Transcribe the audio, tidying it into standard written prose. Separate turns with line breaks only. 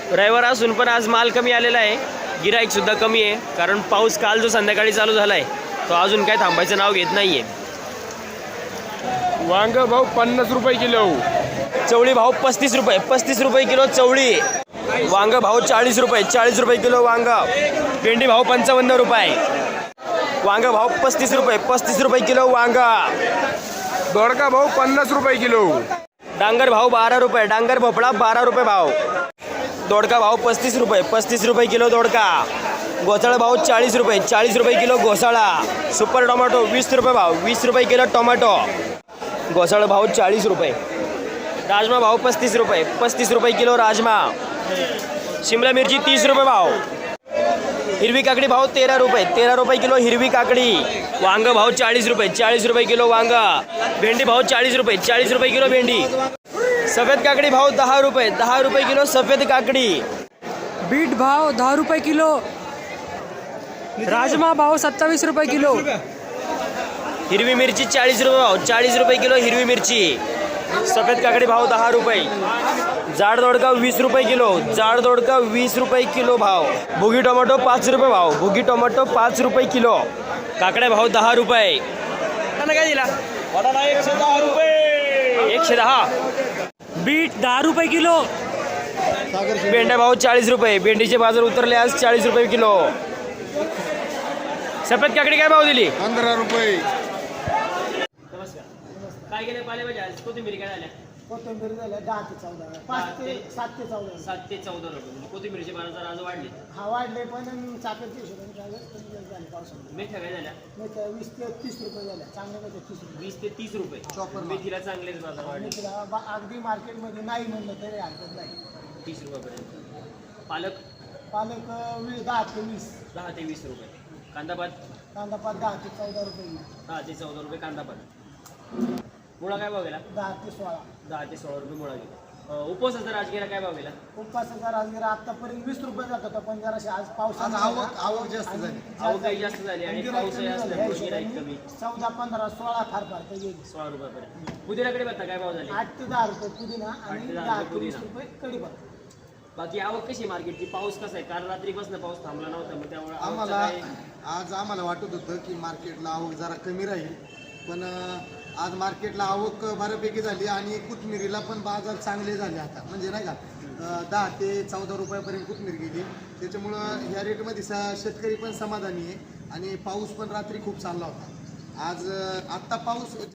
रविवार असून पण आज माल कमी आलेला आहे, गिराईक सुद्धा कमी आहे, कारण पाऊस काल जो संध्याकाळी चालू झाला आहे तो अजून काय थांबायचं नाव घेत नाहीये.
वांग भाऊ 50 रुपये किलो.
चवळी भाव 35 रुपये, 35 रुपये किलो चवळी. वांग भाव 40 रुपये, 40 रुपये किलो वांग. भेंडी भाव 55 रुपये. वांग भाव 35 रुपये, 35 रुपये किलो वांग.
दोडका भाऊ 50 रुपये किलो.
डांगर भाव 12 रुपये, डांगर भोपळा 12 रुपये भाव. दोडका भाव 35 रुपये, 35 रुपये किलो दोडका. घोसाळा भाव 40 रुपये, 40 रुपये किलो घोसाळा. सुपर टोमॅटो 20 रुपये भाव, 20 रुपये किलो टोमॅटो. घोसाळा भाव 40 रुपये. राजमा भाव 35 रुपये, 35 रुपये किलो राजमा. शिमला मिरची 30 रुपये भाव. हिरवी काकडी भाव 13 रुपये, 13 रुपये किलो हिरवी काकडी. वांग भाव 40 रुपये, 40 रुपये किलो वांग. भेंडी भाव 40 रुपये, 40 रुपये किलो भेंडी. सफेद काकडी भाव 10 रुपये, 10 रुपये किलो सफेद काकडी.
बीट भाव 10 रुपये किलो. राजमा भाव 27 रुपये किलो.
हिरवी मिरची 40 रुपये भाव, 40 रुपये किलो हिरवी मिरची. सफेद काकडी भाव 10 रुपये. जाड दोडका 20 रुपये किलो, जाड दोडका 20 रुपये किलो भाव. भुगी टोमॅटो 5 रुपये भाव, भुगी टोमॅटो 5 रुपये किलो. काकड्या भाव 10 रुपये. काय दिला? 110 रुपये, 110.
बीट 10 रुपये किलो.
भेंड्या भाव 40 रुपये, भेंडीचे बाजार उतरले आज 40 रुपये किलो. सफेद काकडी काय भाव दिली?
15 रुपये.
काय गेले पालेभाज्या आज? कोथिंबीर काय झाल्या?
कोथिंबीर झाल्या 10 ते 14, 5 ते 7 ते 14.
7 ते 14 रुपये. कोथिंबीरचे बाजार आज वाढले.
हा वाढले पण चाकरच्या हिशोबाने झाले पावसामध्ये.
मेथ्या काय झाल्या?
मेथ्या 20 ते 30 रुपये झाल्या, चांगल्या मेथ्या 30 रुपये.
20 ते 30 रुपये. मेथीला चांगलेच बाजार वाढले,
मेथीला अगदी मार्केटमध्ये नाही म्हणलं तरी हरकत नाही.
30 रुपयापर्यंत. पालक
पालक 10 ते 20.
10 ते 20 रुपये. कांदापात
कांदा पात 10 ते 14 रुपये.
10 ते 14 रुपये कांदापात. मुळा काय भाव गेला?
10 ते 16.
10 ते 16 रुपये मुळा गेला. उपवासाचा राजगिरा काय भाव गेला?
उपवासाचा राजगिरा आतापर्यंत 20 रुपये जात होता, पण जराशी आज पावसामुळे
आवक जास्त झाली.
आवक काही जास्त झाली आणि पाऊसही असल्यामुळे गिराईक कमी.
14, 15, 16 फार फार तर येईल.
16 रुपयापर्यंत. पुदिनाकडे बघता काय भाव झाले?
8 ते 10 रुपये पुदिना
8
आणि
ते 10
10
रुपये
ते 20
पुदिना.
रुपये कढीपत्ता.
बाकी आवक कशी मार्केटची? पाऊस कसा आहे? काल रात्रीपासून पाऊस थांबला नव्हता, मग त्यामुळे आवकचं
आम्हाला
काय?
आज आम्हाला वाटत होतं की मार्केटला आवक जरा कमी राहील, पण आज मार्केटला आवक बऱ्यापैकी झाली आणि कोथिंबीरीला पण बाजार चांगले झाले आता, म्हणजे नाही का 10 ते 14 रुपयापर्यंत कोथिंबीर गेली. त्याच्यामुळं ह्या रेटमध्ये शेतकरी पण समाधानी आहे आणि पाऊस पण रात्री खूप चालला होता. आज आत्ता पाऊस